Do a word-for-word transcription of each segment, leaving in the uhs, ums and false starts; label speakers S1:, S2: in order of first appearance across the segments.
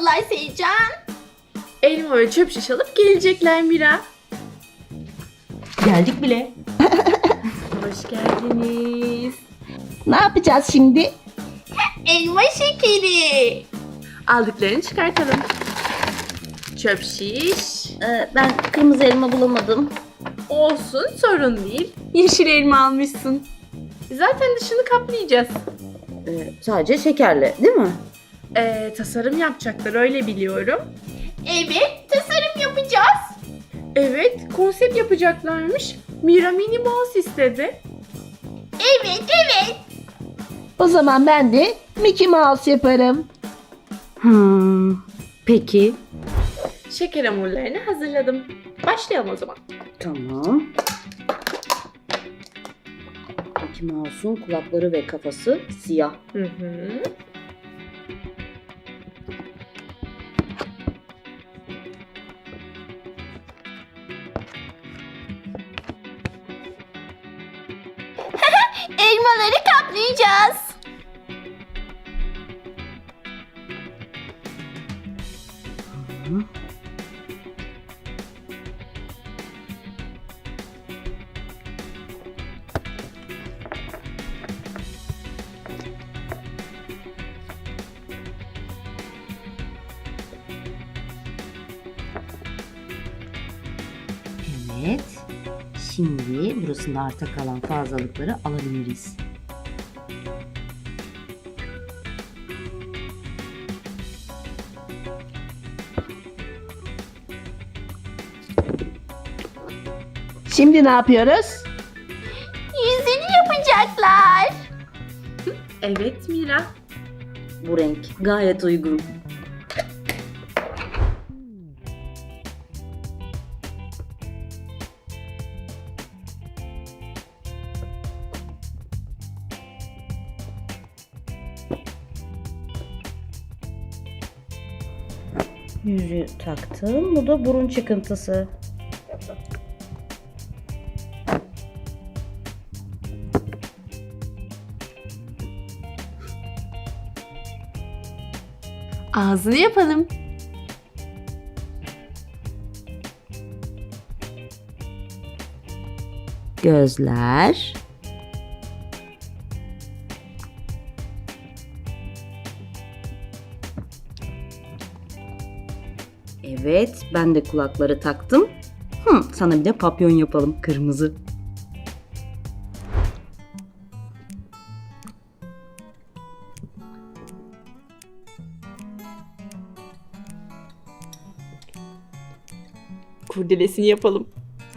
S1: geliyorlar Seycan.
S2: Elma ve çöp şiş alıp gelecekler Mira.
S3: Geldik bile.
S2: Hoş geldiniz.
S3: Ne yapacağız şimdi?
S1: Elma şekeri.
S2: Aldıklarını çıkartalım. Çöp şiş.
S3: Ee, ben kırmızı elma bulamadım.
S2: Olsun, sorun değil. Yeşil elma almışsın. Zaten dışını kaplayacağız.
S3: Ee, sadece şekerli değil mi?
S2: Ee, tasarım yapacaklar, öyle biliyorum.
S1: Evet, tasarım yapacağız.
S2: Evet, konsept yapacaklarmış. Mira Minnie Mouse istedi.
S1: Evet, evet.
S3: O zaman ben de Mickey Mouse yaparım. Hmm, peki.
S2: Şeker hamurlarını hazırladım. Başlayalım o zaman.
S3: Tamam. Mickey Mouse'un kulakları ve kafası siyah.
S2: Hı hı.
S1: Elmaları kaplayacağız.
S3: Evet. Şimdi burasında arta kalan fazlalıkları alabiliriz. Şimdi ne yapıyoruz?
S1: Yüzünü yapacaklar.
S2: Evet Mira.
S3: Bu renk gayet uygun. Yüzüğü taktım. Bu da burun çıkıntısı.
S2: Ağzını yapalım.
S3: Gözler. Evet, ben de kulakları taktım. Hı, sana bir de papyon yapalım, kırmızı.
S2: Kurdelesini yapalım.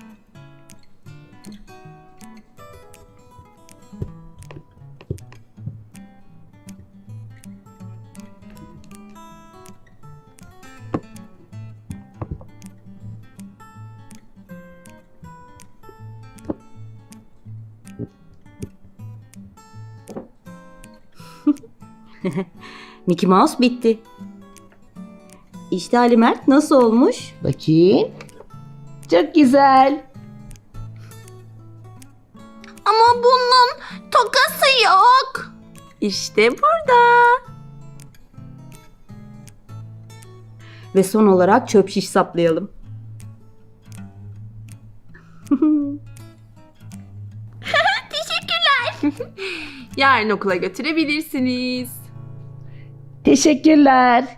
S3: Mickey Mouse bitti. İşte Ali Mert, nasıl olmuş? Bakayım. Çok güzel.
S1: Ama bunun tokası yok.
S2: İşte burada.
S3: Ve son olarak çöp şiş saplayalım.
S1: Teşekkürler.
S2: Yarın okula götürebilirsiniz.
S3: Teşekkürler.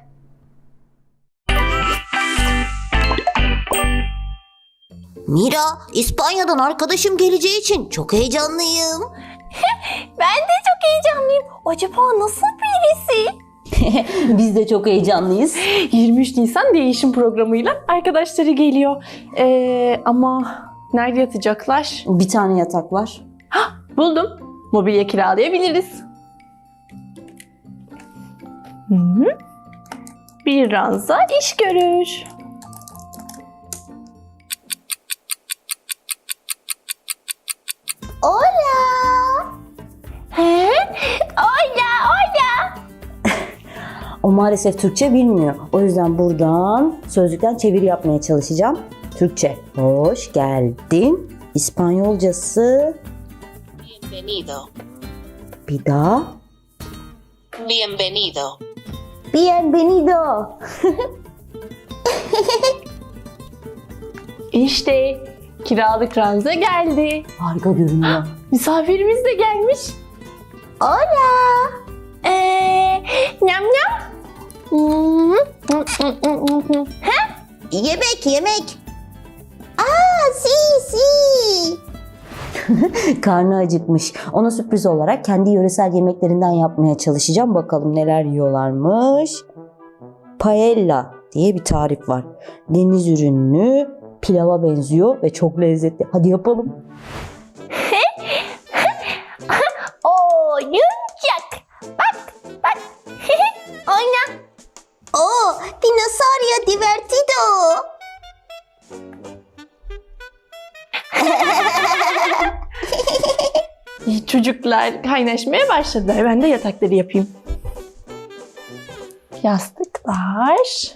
S4: Mira, İspanya'dan arkadaşım geleceği için çok heyecanlıyım.
S1: Ben de çok heyecanlıyım. Acaba nasıl birisi?
S3: Biz de çok heyecanlıyız.
S2: yirmi üç Nisan değişim programıyla arkadaşları geliyor. Ee, ama nerede yatacaklar?
S3: Bir tane yatak var.
S2: Buldum. Mobilya kiralayabiliriz. Hı hı. Bir ranza iş görür.
S4: Hola.
S1: He? Ola, ola.
S3: O maalesef Türkçe bilmiyor. O yüzden buradan sözlükten çeviri yapmaya çalışacağım. Türkçe. Hoş geldin. İspanyolcası.
S4: Bienvenido.
S3: Bir daha.
S4: Bienvenido. Bienvenido.
S2: İşte kiralık ranza geldi.
S3: Harika görünüyor.
S2: Misafirimiz de gelmiş.
S4: Hola.
S1: Eee nyam nyam. Hmm.
S4: Yemek yemek. Aa si si.
S3: Karnı acıkmış. Ona sürpriz olarak kendi yöresel yemeklerinden yapmaya çalışacağım. Bakalım neler yiyorlarmış. Paella diye bir tarif var. Deniz ürünlü, pilava benziyor ve çok lezzetli. Hadi yapalım.
S1: Oo yumuşak. Bak bak. Oyna.
S4: Oh, dinosaurio divertido.
S2: Çocuklar kaynaşmaya başladılar. Ben de yatakları yapayım. Yastıklar.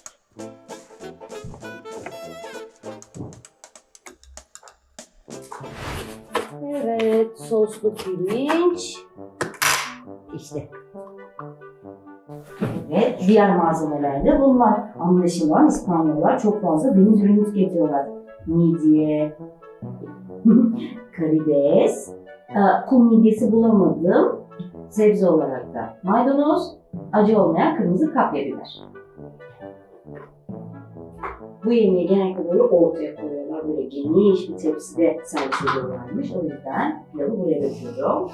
S3: Evet, soslu pirinç. İşte. Evet, diğer malzemeler de bunlar. Anlaşılan İspanyollar çok fazla deniz ürünü tüketiyorlar. Midye, karides, Aa, kum midyesi bulamadım. Sebze olarak da maydanoz, acı olmayan kırmızı kapya biber. Bu yemeği genellikle böyle ortaya koyuyorlar. Böyle geniş bir tepside servis ediyorlarmış. O yüzden pilavı buraya döküyorum.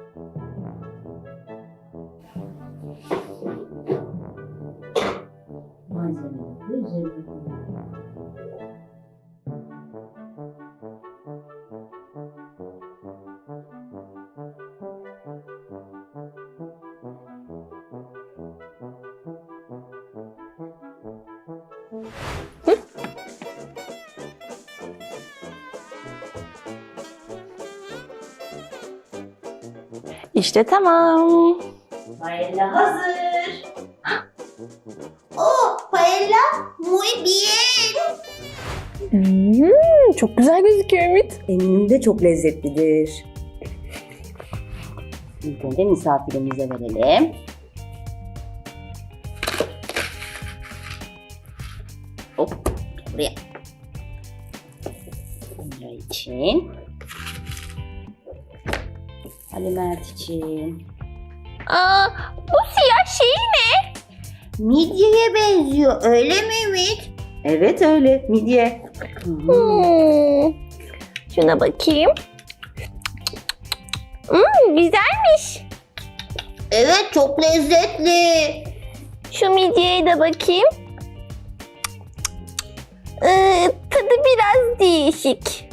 S3: Malzemeleri de üzerine koyuyorum.
S2: İşte tamam.
S3: Paella hazır.
S4: Oh, paella muy bien.
S2: Hmm, çok güzel gözüküyor Ümit.
S3: Eminim de çok lezzetlidir. İlk önce misafirimize verelim. Hop, buraya. Bunlar için. Ali Mert için.
S1: Aa, bu siyah şey ne?
S4: Midyeye benziyor öyle mi Ümit?
S3: Evet öyle, midye. Hmm.
S1: Hmm. Şuna bakayım. Hmm, güzelmiş.
S4: Evet çok lezzetli.
S1: Şu midyeye de bakayım. Ee, tadı biraz değişik.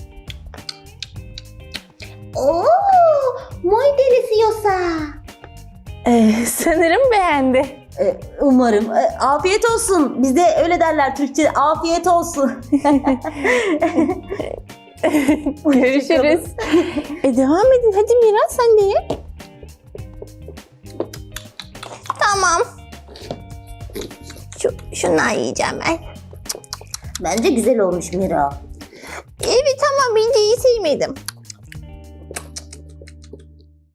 S4: Oh, muy deliciosa.
S2: Ee, sanırım beğendi.
S3: Ee, Umarım. Ee, Afiyet olsun. Bizde öyle derler Türkçe. Afiyet olsun.
S2: Görüşürüz. e devam edin. Hadi Mira sen de ye.
S1: Tamam. Şu, şundan yiyeceğim ben.
S4: Bence güzel olmuş Mira.
S1: Evet ama midyeyi sevmedim.